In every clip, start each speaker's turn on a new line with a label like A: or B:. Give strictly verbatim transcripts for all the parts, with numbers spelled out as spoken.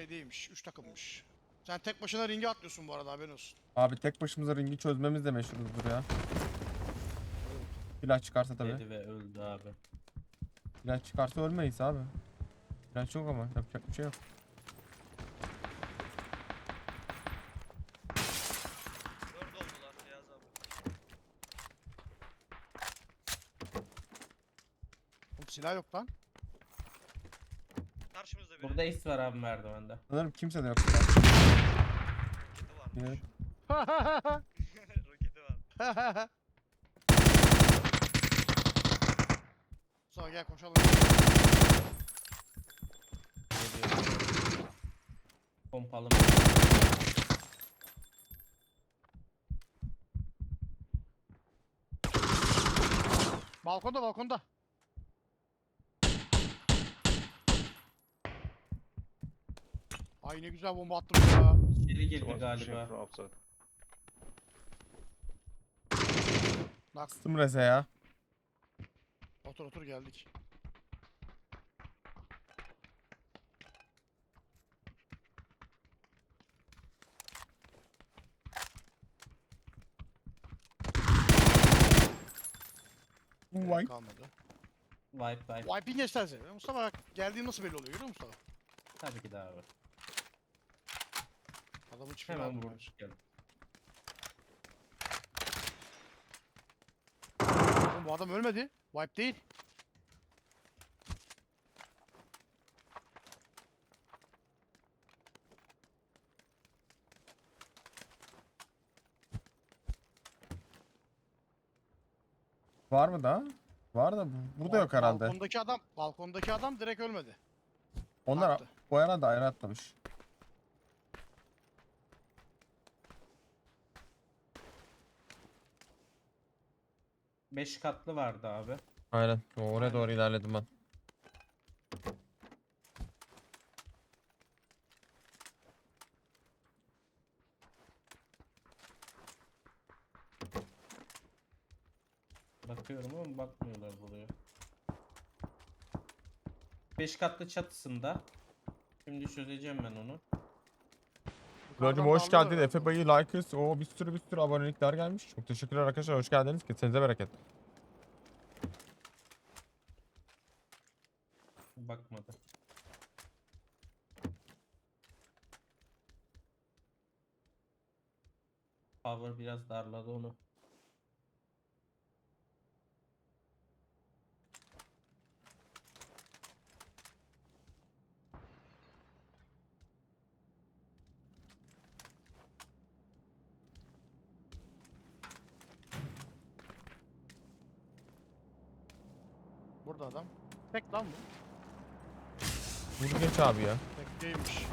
A: şey değilmiş. Üç takımmış. Sen tek başına ringe atlıyorsun bu arada, haberin olsun.
B: Abi tek başımıza ringi çözmemiz de meşhuruzdur ya. Silah çıkarsa tabii.
C: Dedi ve öldü abi.
B: Silah çıkarsa ölmeyiz abi. Silah yok ama yapacak bir şey yok.
D: Dört oldular Beyaz abi.
A: Oğlum silah yok lan.
D: Karşımızda biri.
C: Burada is var abi merdivende.
B: Sanırım kimse de yok.
D: Roketi varmış.
B: Evet.
D: Roketi var.
A: Sonra gel koşalım.
C: Geliyor. Pompalı.
A: Balkonda balkonda. Ay ne güzel bomba attım ya.
C: İçeri girdi
E: Someone's pushing
C: galiba.
E: from outside.
A: Bak
B: Bastım reze ya.
A: otur otur geldik.
B: Vay.
A: Kalmadı.
C: Wipe wipe.
A: Wiping geçerse. Mustafa bak geldiğin nasıl belli oluyor görüyor musun Mustafa?
C: Tabii ki de abi.
A: Adamın çiftini
C: Hemen
A: aldım ben.
C: vurmuş geldi.
A: Oğlum bu adam ölmedi. Wipe değil.
B: Var mı da? Var da bu- burada yok
A: Bal-
B: herhalde.
A: Balkondaki adam, balkondaki adam direkt ölmedi.
B: Onlar
A: baktı.
B: bu arada ayrı atlamış.
C: Beş katlı vardı abi.
B: Aynen. Oraya
A: Aynen.
B: doğru ilerledim ben.
C: Bakıyorum ama bakmıyorlar buraya. Beş katlı çatısında. Şimdi çözeceğim ben onu.
B: Buracım
A: Yukarıdan
B: hoş
A: darlıyorlar
B: geldin.
A: herhalde.
B: Efe Bayı, Likers. O bir sürü bir sürü abonelikler gelmiş. Çok teşekkürler arkadaşlar. Hoş geldiniz. Kesinize bereket.
C: Bakmadı. Power biraz darladı onu.
A: Burada adam. Tek lan bu.
B: Vur geç abi ya.
A: Tek değilmiş.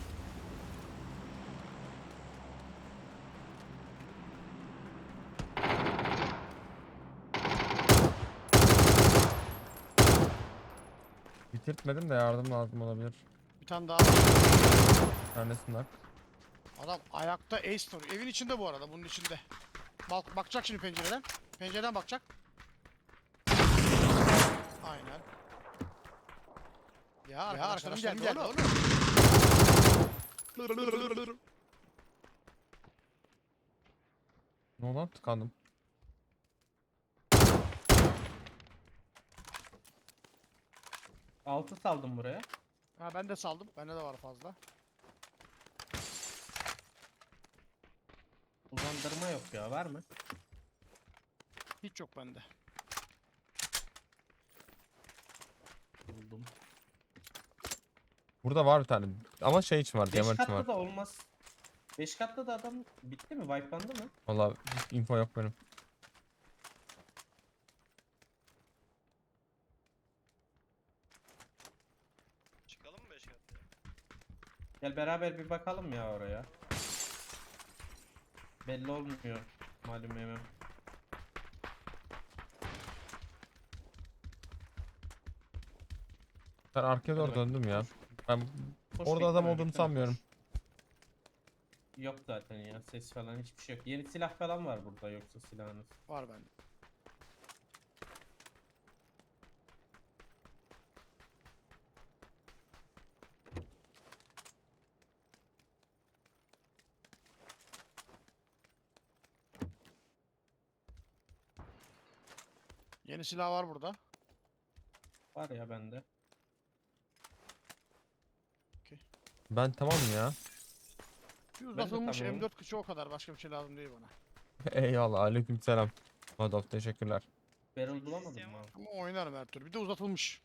B: Bitirtmedim de yardım lazım olabilir.
A: Bir tane daha.
B: Neredesin lan?
A: Adam ayakta ace vuruyor. Evin içinde bu arada, bunun içinde. Bak bakacak şimdi pencereden. Pencereden bakacak. Aynen. Ya, ya arkadan geldi, geldi oğlum.
B: Ne oldu lan? Tıkandım.
C: Altı saldım buraya.
A: Ha ben de saldım. Bende de var fazla.
C: Uzandırma yok ya, var mı?
A: Hiç yok bende.
C: Buldum.
B: Burada var bir tane. Ama şey için var.
C: Beş
B: Diamond için
C: katlı
B: var.
C: da olmaz. Beş katlı da adam bitti mi? Wipelandı mı?
B: Valla hiç info yok benim.
D: Çıkalım mı beş katlı?
C: Gel beraber bir bakalım ya oraya. Belli olmuyor. Malum yemem.
B: Ben arkaya doğru
C: Hadi bak.
B: döndüm ya. Ben
C: Koş
B: orada adam
C: bekleme,
B: olduğunu
C: bekleme,
B: sanmıyorum.
C: koş. Yok zaten ya, ses falan hiçbir şey yok. Yeni silah falan var burada, yoksa silahınız.
A: Var bende. Yeni silah var burada.
C: Var ya bende.
B: Ben tamam ya.
A: Bir
C: de
A: uzatılmış
C: tamamım.
A: M dört kıçı o kadar. Başka bir şey lazım değil bana.
B: Eyvallah. Aleykümselam. Adolf teşekkürler.
C: Barrel bulamadım
D: İsteyen
C: mı?
D: var
C: abi?
A: Ama oynarım her türlü. Bir de uzatılmış.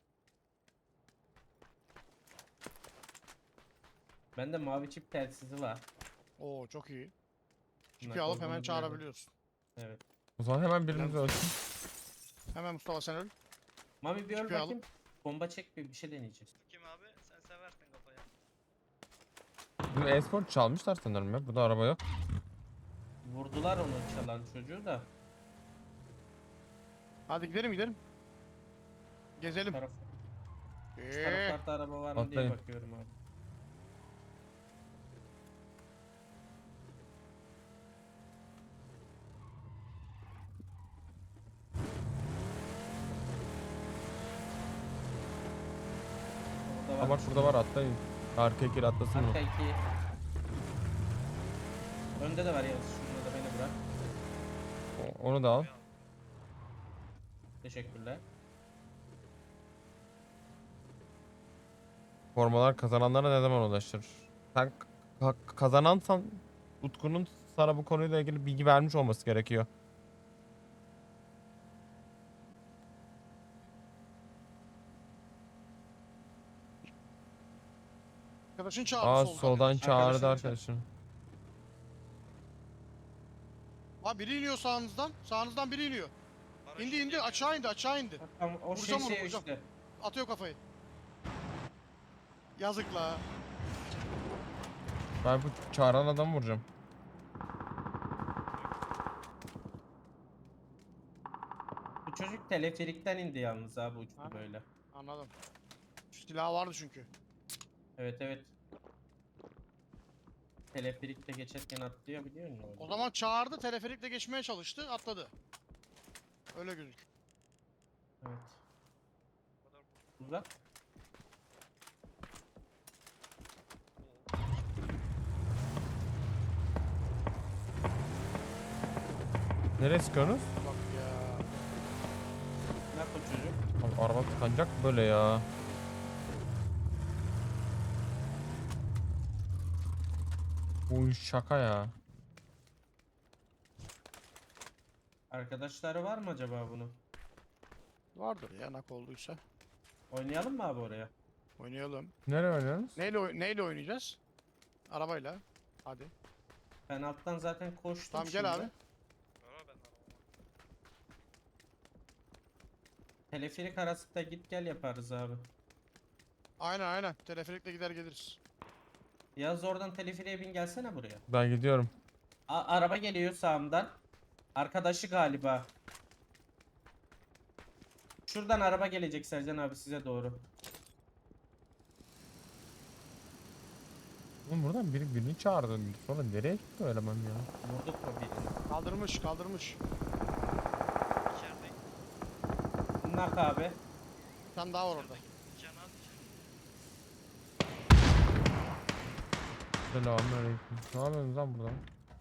C: Bende mavi çip telsizi var.
A: Oo çok iyi. Çünkü
C: Bunlar
A: alıp hemen
C: olduğunu
A: çağırabiliyorsun.
C: Evet.
B: O zaman hemen birimiz
A: Helal
B: ölsün.
A: Hemen Mustafa sen öl.
C: Mami bir öl
A: Çıkıyor
C: bakayım. Bomba çek bir bir şey deneyeceğiz.
D: Kim abi? Sen seversin kafayı.
B: Bizim e-sport çalmışlar sanırım ya. Burada araba yok.
C: Vurdular onu çalan çocuğu da.
A: Hadi gidelim gidelim. Gezelim.
C: Taraf, şu
A: Eee.
C: taraflarda araba var mı diye
B: Atlayın.
C: bakıyorum abi. Orada
B: Aa bak burada var atlayın. Arka ikili atlasın mı?
C: Arka iki. Önde de var Yavuz. Şunu da beni bırak.
B: O- Onu da al.
C: Teşekkürler.
B: Formalar kazananlara ne zaman ulaşır? Sen ka- kazanansan Utku'nun sana bu konuyla ilgili bilgi vermiş olması gerekiyor.
A: Arkadaşın çağırdı
B: Aa
A: soldan.
B: soldan çağırdı
C: Arkadaşını
B: arkadaşım.
A: Aa biri iniyor sağınızdan. Sağınızdan biri iniyor.
D: Paraşüt
A: İndi indi
D: geliyor.
A: aşağı indi aşağı indi.
C: Tamam o şey
A: Vuracağım onu,
C: şey
A: vuracağım.
C: işte.
A: Atıyor kafayı. Yazık la.
B: Ben bu çağıran adamı vuracağım.
C: Bu çocuk teleferikten indi yalnız abi uçtu
A: Ha.
C: böyle.
A: Anladım. Şu silah vardı çünkü.
C: Evet evet. Teleferikte geçerken atlıyor biliyor musun?
A: O zaman çağırdı, teleferikle geçmeye çalıştı, atladı. Öyle gözük.
C: Evet.
D: O kadar
C: Uzak.
B: Nereye sıkıyorsunuz?
A: Bak ya.
C: Ne yapıyor çocuk?
B: Abi araba tıkanacak böyle ya. Bu iş şaka ya.
C: Arkadaşları var mı acaba bunun?
A: Vardır ya nak olduysa.
C: Oynayalım mı abi oraya?
A: Oynayalım.
B: Nereye oynuyorsunuz?
A: Neyle, oy- neyle oynayacağız? Arabayla. Hadi.
C: Ben alttan zaten koştum
A: Tamam gel
C: şimdi.
A: abi.
D: Var ben arabama.
C: Teleferik arasında git gel yaparız abi.
A: Aynen aynen. Teleferikle gider geliriz.
C: Yaz oradan teleferiğe bin gelsene buraya.
B: Ben gidiyorum.
C: A- araba geliyor sağımdan. Arkadaşı galiba. Şuradan araba gelecek Sercan abi size doğru.
B: Oğlum buradan biri birini çağırdı. Sonra nereye gitti o eleman ya?
C: Vurduk mu birini?
A: Kaldırmış kaldırmış.
D: İçerideyim.
C: Nak abi.
A: Bir tane daha var orada.
D: Can az içeri.
B: Selamünaleyküm. Ne yapıyorsunuz lan burada?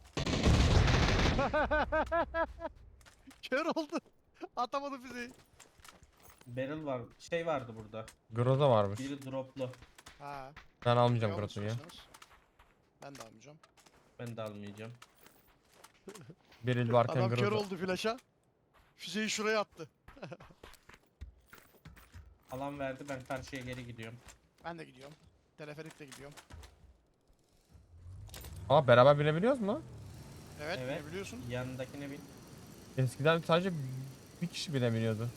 A: Kör oldu. Atamadı füzeyi.
C: Barrel var. Şey vardı burada.
B: Groza varmış.
C: Biri droplu.
A: Ha.
B: Ben almayacağım
A: eyvallah
B: Groza'yı.
A: istiyorsanız. Ben de almayacağım.
C: Ben de almayacağım.
B: Beril varken
A: Adam kör
B: Groza.
A: oldu flaşa. Füzeyi şuraya attı.
C: Alan verdi ben karşıya geri gidiyorum.
A: Ben de gidiyorum. Teleferikle gidiyorum.
B: Aa beraber binebiliyoruz mu?
A: Evet,
C: Evet.
A: ne biliyorsun?
C: Yanındakine bin.
B: Eskiden sadece bir kişi binebiliyordu.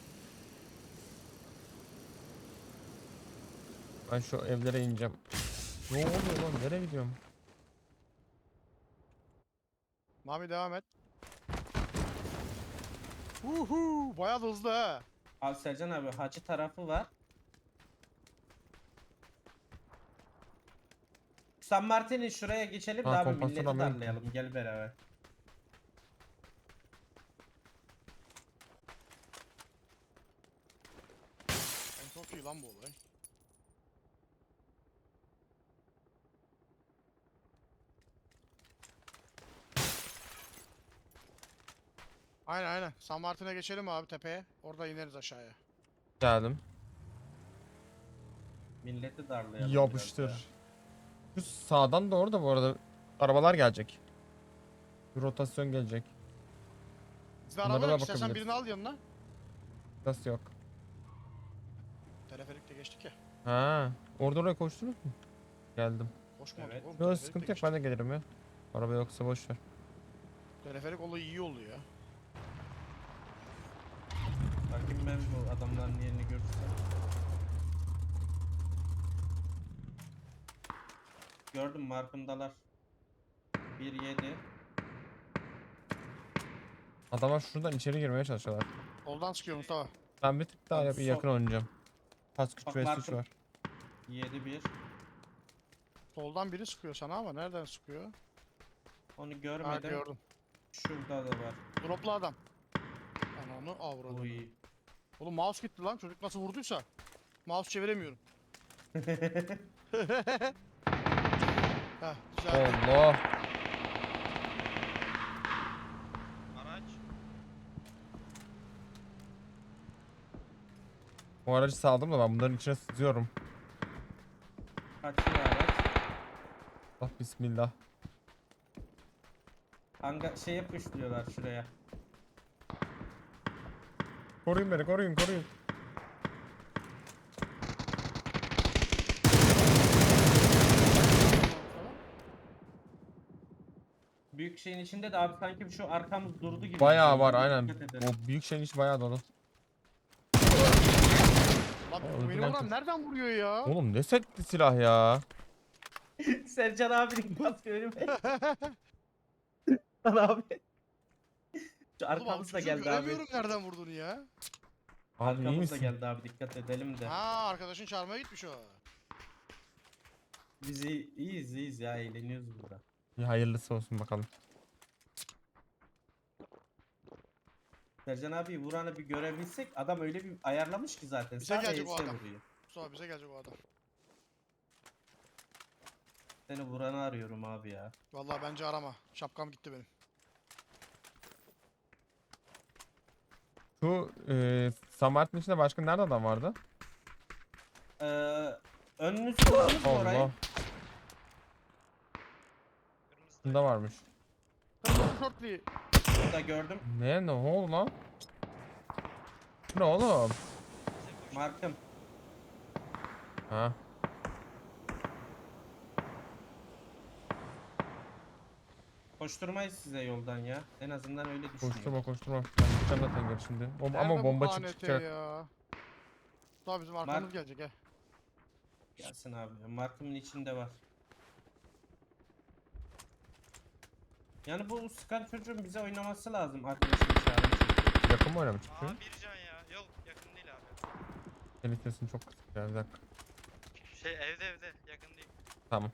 B: Ben şu evlere ineceğim. Ne oluyor lan? Nereye gidiyorum?
A: Mami devam et. Uhu, bayağı da hızlı ha.
C: Abi Sercan abi hacı tarafı var. San Martin'in şuraya geçelim
B: Ha,
C: de abi
B: kompasör
C: milleti
B: Amerika.
C: darlayalım gel beraber.
A: En çok iyi lan bu olay. Aynen aynen. San Martin'e geçelim abi tepeye. Orada ineriz aşağıya.
B: Geldim.
C: Milleti darlayalım biraz
B: Yapıştır.
C: ya.
B: Şu sağdan doğru da bu arada arabalar gelecek. Bir rotasyon gelecek.
A: Bizde
B: Bunlara
A: araba
B: da
A: yok. İstersen
B: bakabiliriz.
A: birini al yanına.
B: Nasıl yok?
A: Teleferikle geçtik ya.
B: Ha, orada oraya koştunuz mu? Geldim.
A: Koşmadık
C: Evet.
A: oğlum.
B: Yok
A: teleferikle
B: sıkıntı yok,
A: geçtik.
B: ben de gelirim ya. Araba yoksa boş ver.
A: Teleferik olayı iyi oldu ya.
C: Bakayım ben bu adamların yerini görürsem. Gördüm, markımdalar. bir yedi.
B: Adamlar şuradan içeri girmeye çalışıyorlar.
A: Soldan sıkıyor Mustafa.
B: Ben bir tık daha
C: Abi
B: yap-
C: sol-
B: yakın oynayacağım. Pas güç
C: Bak
B: ve suç
C: markım.
B: var.
C: yedi bir.
A: Soldan biri sıkıyor sana ama nereden sıkıyor?
C: Onu
A: Ha
C: görmedim.
A: gördüm.
C: Şurada da var.
A: Droplu adam. Ananı avradım.
C: Uy.
A: Oğlum mouse gitti lan. Çocuk nasıl vurduysa. Mouse çeviremiyorum. Heh güzel.
B: Allah.
D: Araç.
B: O aracı saldım da ben bunların içine sızıyorum.
C: Kaçıyor araç.
B: Allah bismillah.
C: Hanga şey yapıştırıyorlar şuraya.
B: Koruyun beni, koruyun, koruyun.
C: Büyük şeyin içinde de abi sanki şu arkamız durdu gibi.
B: Bayağı
C: bir şey.
B: var aynen.
C: Dikkat edelim.
B: O büyük şeyin içi bayağı dolu.
A: Lan
B: öldü
A: beni
B: lan
A: vuran
B: kız.
A: nereden vuruyor ya?
B: Oğlum ne setli silah ya.
C: Sercan abinin kaskı önüme. Lan abi. Şu
A: Oğlum abi
C: arkamız da
A: çocuğu
C: geldi abi.
A: göremiyorum nereden vurduğunu ya.
B: Abi iyi
C: Arkamız da
B: misin?
C: geldi abi, dikkat edelim de.
A: Ha arkadaşın çağırmaya gitmiş o.
C: Biz iyi- iyiyiz iyiyiz ya, eğleniyoruz burada.
B: İyi, hayırlısı olsun bakalım.
C: Sercan abi vuranı bir görebilsek, adam öyle bir ayarlamış ki zaten.
A: Bize
C: Sadece
A: gelecek o
C: ese
A: adam.
C: vuruyor.
A: Mustafa bize gelecek o adam.
C: Seni vuranı arıyorum abi ya.
A: Vallahi bence arama. Şapkam gitti benim.
B: Şu e, Samart'ın içinde başka nerede adam vardı?
C: Ee, önünüz gördünüz mü orayı?
B: Allah.
D: Kırmızı.
B: Bunda varmış.
A: Kırmızı şortlu.
C: Burada gördüm.
B: Ne ne oldu lan? Bu ne oğlum?
D: Bize koş.
C: Markım.
B: Ha.
C: Koşturmayız size yoldan ya. En azından öyle düşünüyorum.
B: Koşturma koşturma. Ben gideceğim zaten geri şimdi. O, ama
A: Nerede bu
B: bomba
A: K N T
B: çıkacak.
A: ya. Mustafa bizim arkamız
C: Mark-
A: gelecek he.
C: Gelsin abi. Markımın içinde var. Yani bu sıkan çocuğun bize oynaması lazım arkadaşım çağırın.
B: Yakın mı oynamış çıkıyor?
D: Aa bir can ya. Yok yakın değil abi.
B: Senin sesin çok kısık ya, bir dakika.
D: Şey evde evde yakın değil.
B: Tamam.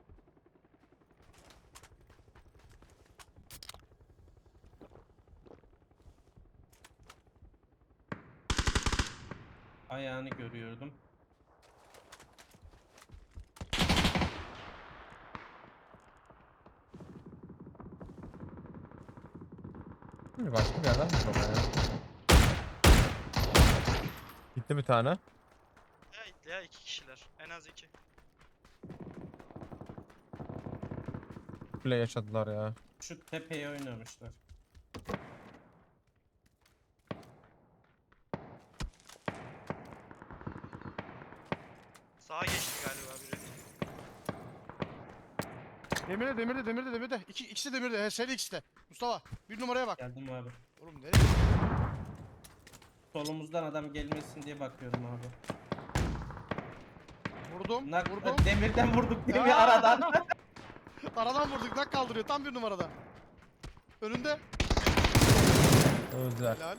C: Ayağını görüyordum.
B: Şimdi başka bir yerden mi baba ya? Gitti bir tane.
D: Ya, ya iki kişiler. En az iki.
B: Bile yaşadılar ya.
C: Şu tepeye oynamışlar.
D: Sağa geçti galiba biri.
A: Demirde demirde demirde demirde. İki, ikisi demirde. He seri ikisi de. Mustafa bir numaraya bak.
C: Geldim abi.
A: Oğlum nereye?
C: Solumuzdan adam gelmesin diye bakıyorum abi.
A: Vurdum.
C: Nak
A: Vurdum.
C: demirden vurduk değil mi
A: Aa!
C: aradan?
A: Aradan vurduk. Nak kaldırıyor. Tam bir numarada. Önünde.
B: Öldüler.
A: Helal.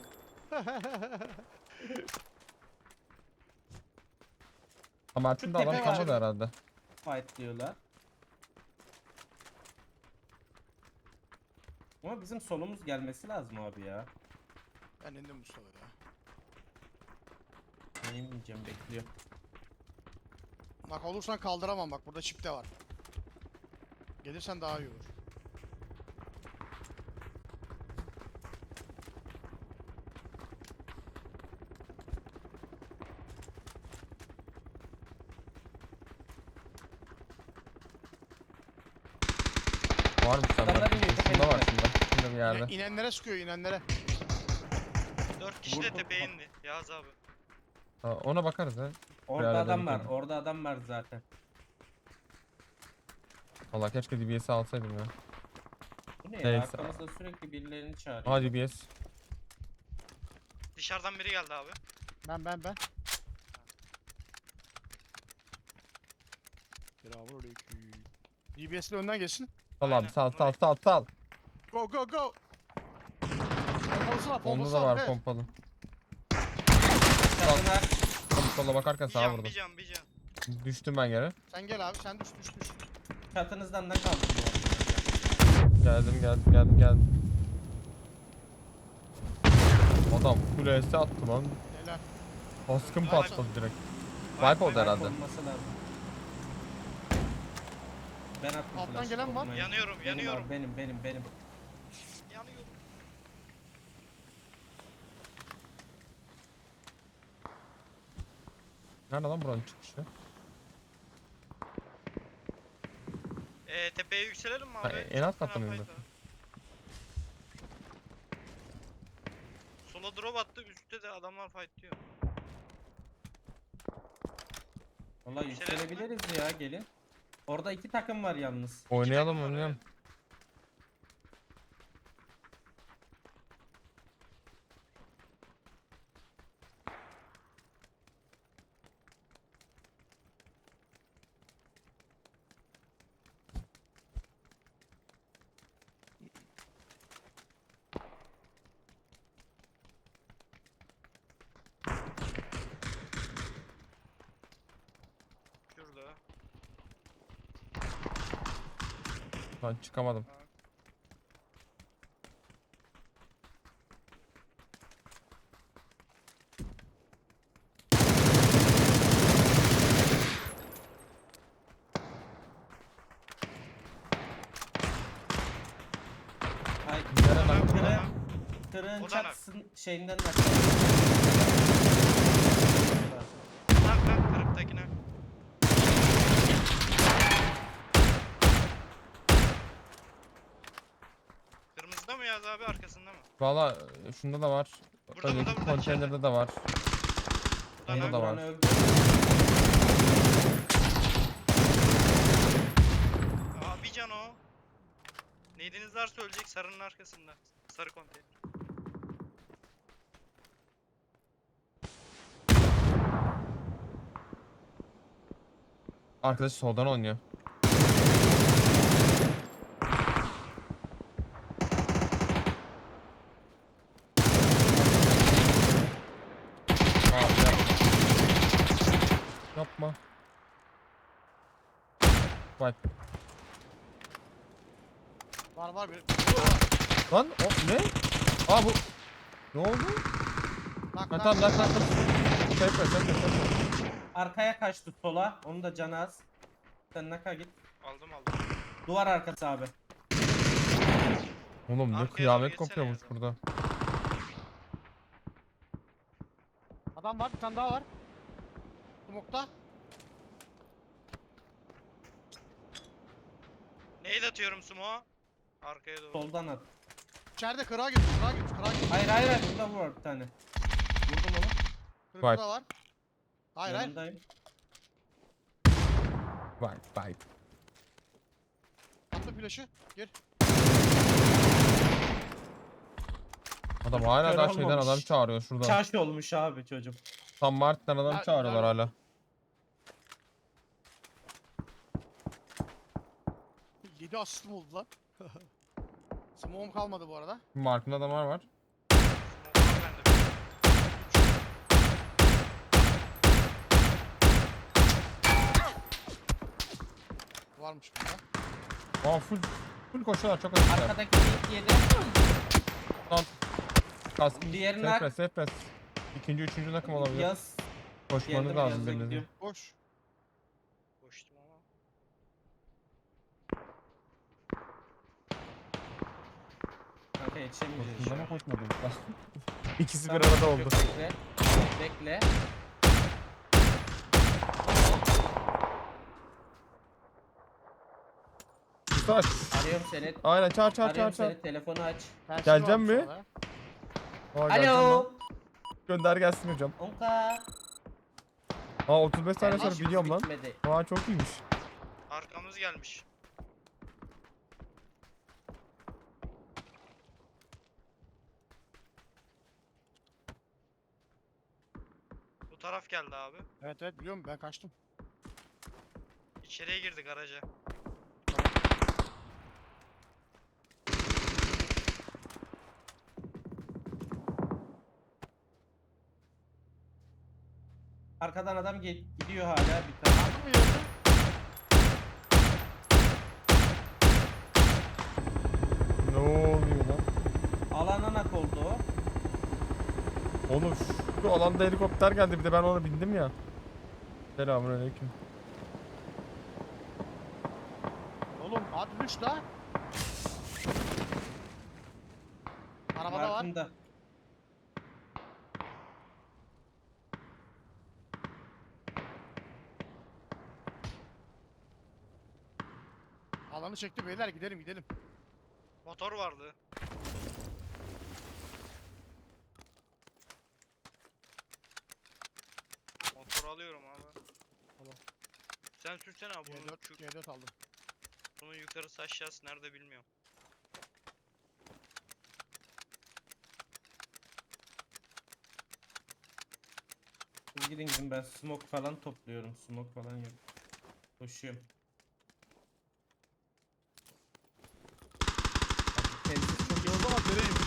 B: Samart'ın da
C: Şu
B: adam
C: tepe var.
B: kalmadı herhalde.
C: Fight diyorlar. Ama bizim solumuz gelmesi lazım abi ya.
A: Ben indim Mustafa ya.
C: Neyim diyeceğim, bekliyor.
A: Nak olursan kaldıramam bak. Burada çip de var. Gelirsen daha iyi olur.
B: Var mı sende?
C: Adamlar iniyor,
B: Şunda var
C: tepeye.
B: şunda. Şunda bir yerde.
A: İne- İnenlere sıkıyor inenlere.
D: Dört kişi
C: Vur,
D: de
C: vur,
D: tepeye
C: bak.
D: indi. Yağız abi.
B: Ha, ona bakarız ha.
C: Orada
B: arada
C: adam
B: bir
C: var.
B: tane.
C: Orada adam var zaten.
B: Valla keşke D B S'i alsaydım ya.
C: Bu ne ya?
B: Neyse.
C: Arkamızda sürekli birilerini çağırıyor.
B: Aa D B S.
D: Dışarıdan biri geldi abi.
A: Ben ben ben. Selamünaleyküm. D B S'le önden geçsin.
B: Sal abi
D: Aynen,
B: sal
D: onu
B: sal sal sal.
A: Go go go. Pompalısı var
B: Onda
A: pompalısı
B: da var
A: evet.
B: pompalı.
C: Çatına
B: Tam sola bakarken
D: Bir
B: sağa
D: can
B: vurdum.
D: bir can bir can.
B: Düştüm ben geri.
A: Sen gel abi sen düş düş düş.
C: çatınızdan da kaldım bu arada.
B: Geldim geldim geldim geldim. Adam full S attı lan.
A: Helal.
B: Baskın
A: Vay
B: patladı
A: be.
B: direkt.
D: Vay
B: Wipe oldu
D: vay.
B: herhalde.
C: Olması lazım. Ben attım
A: Alttan
C: flash'ı,
A: gelen var.
C: korkmayın.
D: Yanıyorum
C: Benim
D: yanıyorum.
C: abi, benim benim benim.
D: Yanıyorum.
B: Nerede lan buranın çıkışı?
D: Ee, tepeye yükselelim mi
B: Ha,
D: abi?
B: en alt
D: Çok
B: katta
D: fena
B: mıyım
D: fight var. Sola drop attı üstte de adamlar fightlıyor.
C: Vallahi
D: Yükselelim mi?
C: yükselebiliriz ya gelin. Orada iki takım var yalnız.
B: Oynayalım
D: takım var,
B: oynayalım.
D: Şurada.
B: Ben çıkamadım.
C: Hayır.
B: Nereden
D: Adam-
B: baktın
C: Kırı,
B: lan?
D: adam-
C: kırığın
D: O da
C: çatısın şeyinden bak.
D: Nak nak kırıktakine. Kırmızıda mı Yağız abi arkasında mı?
B: Valla e, şunda da var.
D: Burada,
B: Önceki
D: burada, burada,
B: konteynerde
D: içeride.
B: de var.
D: Burada
B: Onda
D: nak.
B: da var.
C: Buranı öldü.
D: Aa bir can o. Neydiniz varsa ölecek sarının arkasında. Sarı konteyner.
B: Arkadaş soldan oynuyor. Abi yapma. Yapma. Vay.
A: Var var bir.
B: Lan o ne? Aa bu. Ne oldu?
A: Nak
B: Ha
A: nak.
B: tamam lan kalktım. Tekrar tekrar tekrar.
C: Arkaya kaçtı sola. Onu da canı az. Sen naka git.
D: Aldım aldım.
C: Duvar arkası abi.
B: Oğlum ne
D: Arkaya doğru
B: kıyamet
D: geçsene
B: kopuyormuş
D: ya.
B: burada.
A: Adam var bir tane daha var. Smoke'ta.
D: Neyle atıyorum sumo? Arkaya doğru.
C: Soldan at.
A: İçeride kırağa git kırağa git kırağa git.
C: Hayır hayır hayır. Burada vur bir tane. Vurdum onu.
A: Kırıkta
B: Vay.
A: da var. Hayır hayır.
C: Yanındayım.
B: Vay vay.
A: Attı flash'ı. Gir.
B: Adam hala
C: Kör
B: daha şeyden
C: olmamış.
B: adam çağırıyor şuradan.
C: Çarşı olmuş abi çocuk.
B: Tam Mart'tan adam
A: Ya-
B: çağırıyorlar
A: ya-
B: hala.
A: yedi asistim oldu lan. Smoke'um kalmadı bu arada.
B: Mark'ın adamlar var.
D: Smoke var bende.
A: Varmış burada.
B: Aa full full koşuyorlar çok hızlılar.
C: Arkadaki ilk yedi.
B: Lan kaskın
C: Diğeri
B: safe
C: nak.
B: press, safe press. İkinci, üçüncü takım olabilir.
C: Yaz.
B: Koşmanız
C: Geldim,
B: lazım
C: yazda
B: birinizin.
C: gidiyorum.
A: Boş.
D: Koştum ama.
C: Kanka yetişemeyeceğiz şu
B: Koştun
C: an.
B: ama koşmadın. İkisi bir
C: Tamam,
B: arada
C: yok,
B: oldu.
C: Bekle. Bekle.
B: Üstü aç.
C: Arıyorum seni.
B: Aynen çağır çağır çağır
C: Arıyorum
B: çağır.
C: seni. Telefonu aç.
A: Tersine
B: Geleceğim
A: varmış
B: mi?
A: orada.
B: Aa, geleceğim lan.
C: Alo.
B: Gönder gelsin hocam.
C: Onka.
B: Aa otuz beş saniye sonra
C: Kardeşimiz
B: biliyorum lan.
C: bitmedi.
B: Aa çok iyiymiş.
D: Arkamız gelmiş. Bu taraf geldi abi.
A: Evet evet biliyorum ben kaçtım.
D: İçeriye girdik garaja.
C: Arkadan adam ge- gidiyor hala bir tane.
A: Aldın mı yerini?
B: Ne oluyor lan?
C: Alana nak oldu o.
B: Oğlum şu alanda helikopter geldi bir de ben ona bindim ya. Selamünaleyküm.
A: Oğlum hadi düş la. Arabada var.
C: Markında.
A: Alanı çekti beyler gidelim gidelim.
D: Motor vardı. Motor alıyorum abi.
A: Tamam.
D: Sen sürsene abi
A: G
D: bunu.
A: dört,
D: Şu,
A: G dört aldım.
D: bunun yukarısı aşağısı nerede bilmiyorum.
C: Siz gidin gidin ben smoke falan topluyorum. Smoke falan yok. Koşuyorum. Abi kendisi çok iyi.
A: O zaman nereymiş?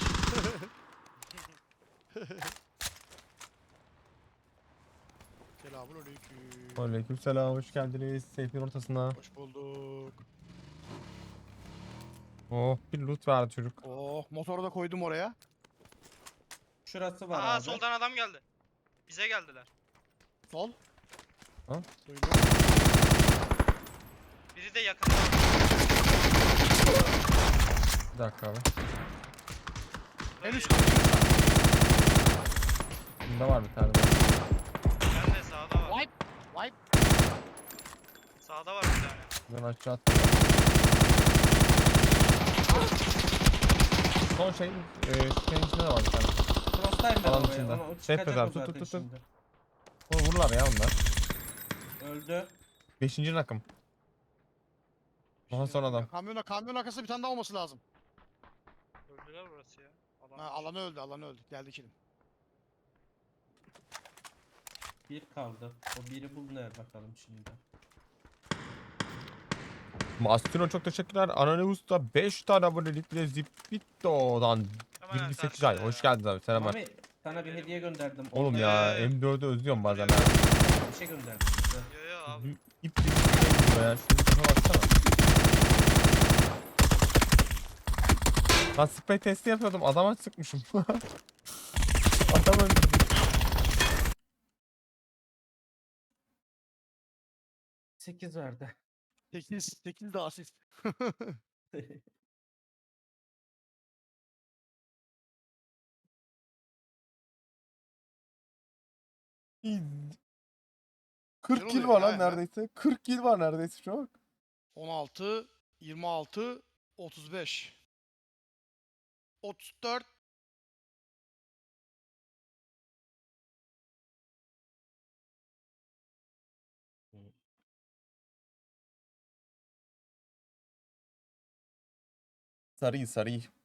A: Selamünaleyküm.
B: Aleykümselam hoş geldiniz. Seyfin ortasına.
A: Hoş bulduk.
B: Oh bir loot verdi çocuk.
A: Oh motoru da koydum oraya.
C: Şurası var
D: Aa
C: abi.
D: soldan adam geldi. Bize geldiler.
A: Sol.
B: Ha?
A: Duydum.
D: Biri de yakında.
B: Bir dakika abi.
A: En üst
D: Burada
A: kat.
B: Bunda var bir tane daha.
D: Nerede? Sağda var.
A: Wipe. Wipe.
D: Sağda var bir tane.
B: Ben aşağı attım. Son şey, e, şeyin içinde de var bir tane.
C: Cross'tayım ben
B: Alan
C: oraya
B: içinde.
C: ama o
B: Safe
C: çıkacak
B: bedel,
C: o
B: tut,
C: zaten
B: tut, tut, tut.
C: şimdi.
B: Onu vururlar ya onlar.
C: Öldü.
B: Beşinci rakım. Daha sonra adam.
A: Kamyona kamyon arkası bir tane daha olması lazım.
D: Öldüler burası ya. Alan.
A: Ha, alanı öldü alanı öldü. Geldi kilim.
C: Bir kaldı. O biri bul nerede bakalım şimdi.
B: Mastino çok teşekkürler. Anonymous da beş tane abonelikle Zipito'dan
D: Hemen
B: yirmi sekiz
D: tersinde
B: ay.
D: ya.
B: Hoş geldiniz abi. Selamlar.
C: Mami sana bir hediye gönderdim.
B: Oğlum
C: Orada
B: ya
D: Ee,
B: M dördü özlüyorum bazen.
D: biliyorum.
B: ha.
C: bir şey gönderdim size.
D: Yo yo abi.
B: Bir İp gibi bir şey geliyor ya. Şunu bir baksana. Lan spray testi yapıyordum. Adama sıkmışım. Adam öldürdüm.
C: sekiz verdi.
A: sekiz. sekiz de asist.
B: kırk
A: Güzel
B: kill
A: oluyor
B: var
A: ya
B: lan
A: hemen.
B: neredeyse. kırk kill var neredeyse şu an.
A: on altı, yirmi altı, otuz beş. otuz dört.
B: Sarı sarı.